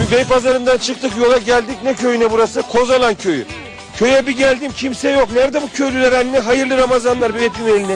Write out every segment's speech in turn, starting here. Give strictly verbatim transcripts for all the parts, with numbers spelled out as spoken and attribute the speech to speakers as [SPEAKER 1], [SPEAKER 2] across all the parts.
[SPEAKER 1] Biz Beypazarı'ndan çıktık, yola geldik. Ne köyüne burası? Kozalan köyü. Köye bir geldim, kimse yok. Nerede bu köylüler anne? Hayırlı Ramazanlar, bir öpeyim elini.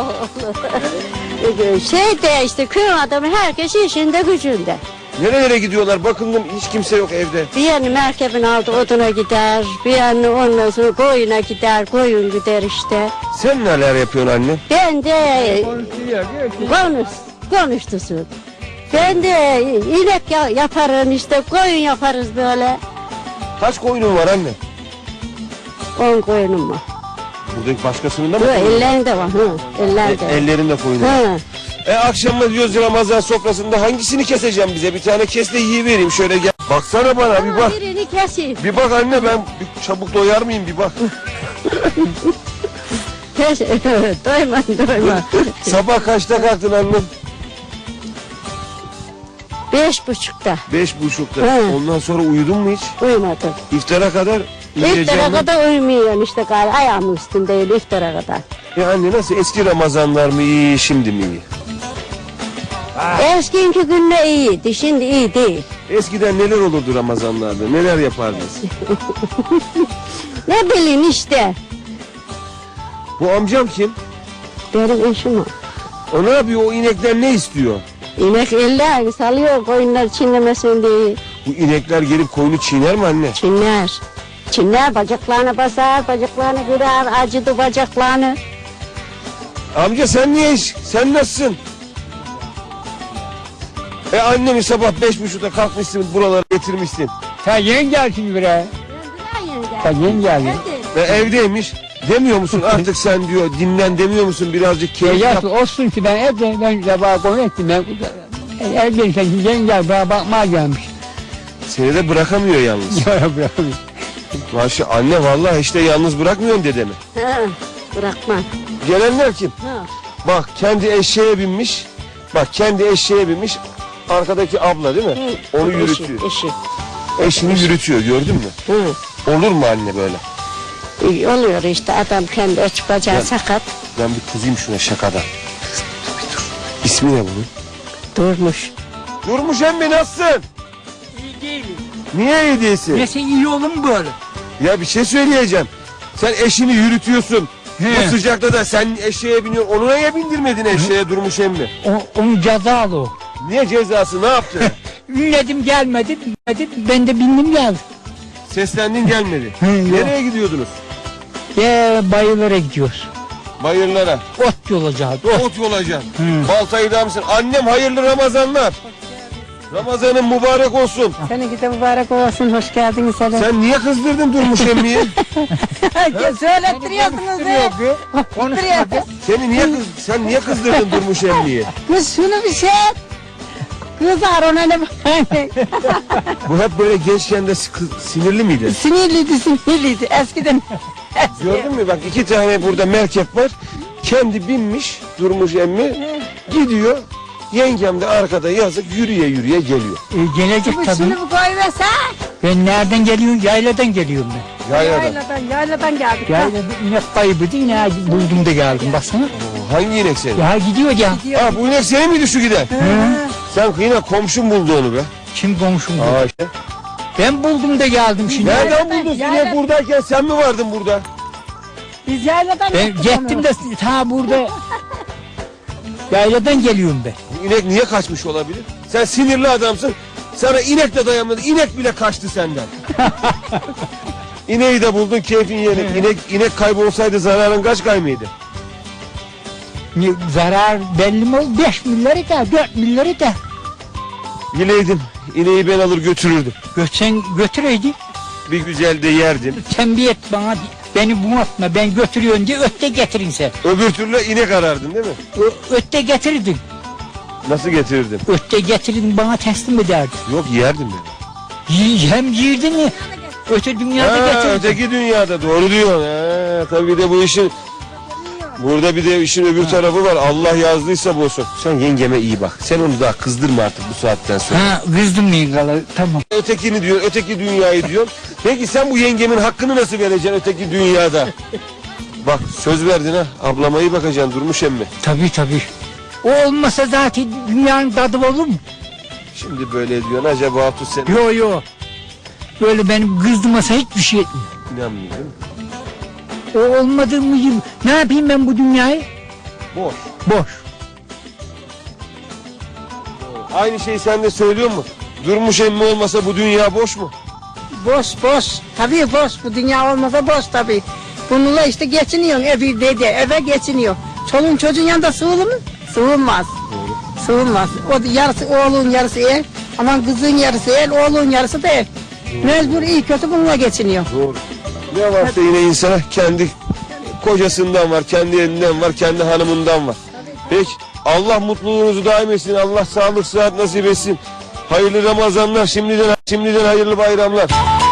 [SPEAKER 2] Şey de işte köy adamı, herkes işinde gücünde.
[SPEAKER 1] Nerelere gidiyorlar? Bakındım hiç kimse yok evde.
[SPEAKER 2] Bir yanı merkebin altı oduna gider, bir yanı ondan sonra koyuna gider, koyun gider işte.
[SPEAKER 1] Sen neler yapıyorsun anne?
[SPEAKER 2] Ben de konuş, konuştusun. Ben de inek ya- yaparım işte, koyun yaparız böyle.
[SPEAKER 1] Kaç koyunun var anne?
[SPEAKER 2] On koyunum var.
[SPEAKER 1] Buradaki başkasının da mı?
[SPEAKER 2] Bu
[SPEAKER 1] koyunu var?
[SPEAKER 2] ellerinde var, hı, ellerinde.
[SPEAKER 1] E, ellerinde koyunu var.
[SPEAKER 2] Hı.
[SPEAKER 1] E akşamda diyoruz Ramazan sofrasında hangisini keseceğim bize? Bir tane kes de yiyivereyim şöyle gel. Baksana bana bir bak.
[SPEAKER 2] Birini keseyim.
[SPEAKER 1] Bir bak anne, ben bir çabuk doyar mıyım bir bak.
[SPEAKER 2] Kes, doyma, doyma.
[SPEAKER 1] Sabah kaçta kalktın annem?
[SPEAKER 2] Beş buçukta
[SPEAKER 1] Beş buçukta.
[SPEAKER 2] He.
[SPEAKER 1] Ondan sonra uyudun mu hiç?
[SPEAKER 2] uyumadım.
[SPEAKER 1] İftara kadar uyuyacağım
[SPEAKER 2] İftara
[SPEAKER 1] mı?
[SPEAKER 2] kadar uyumuyorsun işte galiba, ayağımın üstündeyim iftara kadar.
[SPEAKER 1] Ya anne nasıl, eski Ramazanlar mı iyi şimdi mi iyi?
[SPEAKER 2] Eskiinki günle iyiydi, şimdi iyi değil.
[SPEAKER 1] Eskiden neler olurdu Ramazanlarda, neler yapardınız?
[SPEAKER 2] Ne bileyim işte,
[SPEAKER 1] Bu amcam kim?
[SPEAKER 2] benim eşim o.
[SPEAKER 1] O ne yapıyor, o inekler ne istiyor?
[SPEAKER 2] İnek eller salıyor koyunlar çinlemesin diye.
[SPEAKER 1] Bu inekler gelip koyunu çiğner mi anne?
[SPEAKER 2] Çinler. Çinler bacaklarına basar, bacaklarını kırar, acıdı bacaklarını.
[SPEAKER 1] Amca sen niye iş? Sen nasılsın? E annemi sabah beş buçukta kalkmışsın, buralara getirmişsin.
[SPEAKER 3] Sen yeni gel şimdi buraya. Sen yeni geldin.
[SPEAKER 1] Ve evdeymiş. Demiyor musun artık sen diyor, dinlen demiyor musun, birazcık
[SPEAKER 3] E
[SPEAKER 1] keyif yap.
[SPEAKER 3] yaş olsun ki ben evde ben sabah konu ettim. Ben evdeyim, sen yeni gel bana bakmaya gelmiş.
[SPEAKER 1] Seni de bırakamıyor yalnız.
[SPEAKER 3] Ya bırakın.
[SPEAKER 1] Maşallah anne, vallahi işte yalnız bırakmıyorsun dedemi.
[SPEAKER 2] Ha, bırakma.
[SPEAKER 1] Gelenler kim?
[SPEAKER 2] Ha.
[SPEAKER 1] Bak kendi eşeğe binmiş. Bak kendi eşeğe binmiş. Arkadaki abla değil mi?
[SPEAKER 2] Hı.
[SPEAKER 1] Onu
[SPEAKER 2] Eşi,
[SPEAKER 1] yürütüyor.
[SPEAKER 2] eşi.
[SPEAKER 1] Eşini yürütüyor, gördün mü?
[SPEAKER 2] Hı.
[SPEAKER 1] Olur mu anne böyle?
[SPEAKER 2] İyi oluyor işte, adam kendi aç bacağı
[SPEAKER 1] Ya-
[SPEAKER 2] sakat.
[SPEAKER 1] Ben bir kızayım şuna şakadan. Dur bir dur. İsmi ne bunun?
[SPEAKER 2] Durmuş.
[SPEAKER 1] Durmuş emmi, nasılsın?
[SPEAKER 3] İyi değilim.
[SPEAKER 1] Niye iyi değilsin?
[SPEAKER 3] Nesi iyi olur mu böyle?
[SPEAKER 1] Ya bir şey söyleyeceğim. Sen eşini yürütüyorsun.
[SPEAKER 3] He.
[SPEAKER 1] Bu sıcakta da sen eşeğe biniyorsun. Onu niye bindirmedin eşeğe Durmuş emmi?
[SPEAKER 3] O, onun cezalı o.
[SPEAKER 1] Niye cezası, ne yaptın?
[SPEAKER 3] Ünledim gelmedi, bilmedi, ben de bindim geldim.
[SPEAKER 1] Seslendin gelmedi.
[SPEAKER 3] He, yok.
[SPEAKER 1] Nereye gidiyordunuz?
[SPEAKER 3] Ya bayılara gidiyoruz.
[SPEAKER 1] Bayırlara.
[SPEAKER 3] Ot yolacağız, ot.
[SPEAKER 1] Ot yolacaksın.
[SPEAKER 3] Hı.
[SPEAKER 1] Baltayı da mısın? Annem hayırlı Ramazanlar. Ramazanın mübarek olsun.
[SPEAKER 2] Seninki de mübarek olsun, hoş geldiniz hele.
[SPEAKER 1] Sen niye kızdırdın Durmuş emmiyi?
[SPEAKER 2] Söylettiriyorsunuz be.
[SPEAKER 3] Konuşmadı.
[SPEAKER 1] Seni niye kız sen niye kızdırdın Durmuş emmiyi?
[SPEAKER 2] Kız şunu bir şey et. Kızar ona ne
[SPEAKER 1] Bu hep böyle gençken de kız- sinirli miydi?
[SPEAKER 2] Sinirliydi, sinirliydi eskiden.
[SPEAKER 1] Gördün mü bak, iki tane burada merkep var. Kendi binmiş Durmuş emmi, gidiyor. Yengem de arkada yazık yürüye yürüye geliyor.
[SPEAKER 3] E, gelecek tabii.
[SPEAKER 2] Şunu bir koyversen.
[SPEAKER 3] Ben nereden geliyorum? Yayladan geliyorum ben.
[SPEAKER 1] Yayladan.
[SPEAKER 2] Yayladan, yayladan geldik.
[SPEAKER 3] Yaylada inek kaybıydı, yine buldum da geldim baksana.
[SPEAKER 1] Oo, hangi inek senin?
[SPEAKER 3] Ya gidiyor ya.
[SPEAKER 1] Ha, bu inek senin miydi şu giden? Sen yine komşun buldu onu be.
[SPEAKER 3] Kim komşum bu?
[SPEAKER 1] Aa işte.
[SPEAKER 3] Ben buldum da geldim şimdi.
[SPEAKER 1] Nereden buldun? İnek buradayken sen mi vardın burada?
[SPEAKER 2] Biz yayladan
[SPEAKER 3] Ben gittim de ta burada. Yayladan geliyorum ben.
[SPEAKER 1] Bu inek niye kaçmış olabilir? Sen sinirli adamsın. Sana inek de dayanmadı. İnek bile kaçtı senden. İneği de buldun, keyfin yerine. İnek, inek kaybolsaydı zararın kaç kay mıydı?
[SPEAKER 3] Ne, zarar belli mi oldu? Beş milyarı da, dört milyarı da.
[SPEAKER 1] Bileydim, ineği ben alır götürürdüm.
[SPEAKER 3] Götsen götüreydi.
[SPEAKER 1] Bir güzel de yerdim.
[SPEAKER 3] Tembih et bana. Beni bunaltma, ben götürüyorum diye ötte getirin sen.
[SPEAKER 1] Öbür türlü inek arardın değil mi?
[SPEAKER 3] Ö- ötte getirdin.
[SPEAKER 1] Nasıl getirirdim?
[SPEAKER 3] Ötte getirdin bana teslim ederdin.
[SPEAKER 1] Yok, yerdim ben.
[SPEAKER 3] Y- hem yirdin mi? Öte dünyada
[SPEAKER 1] Ha,
[SPEAKER 3] getirdin.
[SPEAKER 1] öteki dünyada doğru diyorsun. Ha, tabii bir de bu işin burada bir de işin öbür tarafı var. Allah yazdıysa bu olsun. Sen yengeme iyi bak. Sen onu daha kızdırma artık bu saatten sonra.
[SPEAKER 3] Ha, kızdım mı kala? Tamam.
[SPEAKER 1] Ötekini diyor, öteki dünyayı diyor. Peki sen bu yengemin hakkını nasıl vereceksin öteki dünyada? Bak söz verdin ha. Ablama iyi bakacaksın Durmuş emmi.
[SPEAKER 3] Tabii tabii. O olmasa zaten dünyanın tadı olur mu?
[SPEAKER 1] Şimdi böyle diyorsun acaba Tut sen
[SPEAKER 3] Yo yo. Böyle benim kızdırmasa hiçbir şey etmiyor.
[SPEAKER 1] inanmıyor değil mi?
[SPEAKER 3] O olmadığı mı gibi. Ne yapayım ben bu dünyayı?
[SPEAKER 1] Boş.
[SPEAKER 3] Boş.
[SPEAKER 1] Aynı şeyi sen de söylüyor mu? Durmuş emmi olmasa bu dünya boş mu?
[SPEAKER 4] Boş boş. Tabii boş. Bu dünya olmasa boş tabii. Bununla işte geçiniyorsun evi dede eve geçiniyor. Çoluğun çocuğun yanında sığılır mı? Sığılmaz. Sığılmaz. O yarısı oğlun yarısı ev. Aman kızın yarısı ev, oğlun yarısı da ev. Mecbur iyi kötü bununla geçiniyor.
[SPEAKER 1] Doğru. Ne varsa yine insana kendi kocasından var, kendi elinden var, kendi hanımından var. Peki Allah mutluluğunuzu daim etsin. Allah sağlık sıhhat nasip etsin. Hayırlı Ramazanlar. Şimdiden şimdiden hayırlı bayramlar.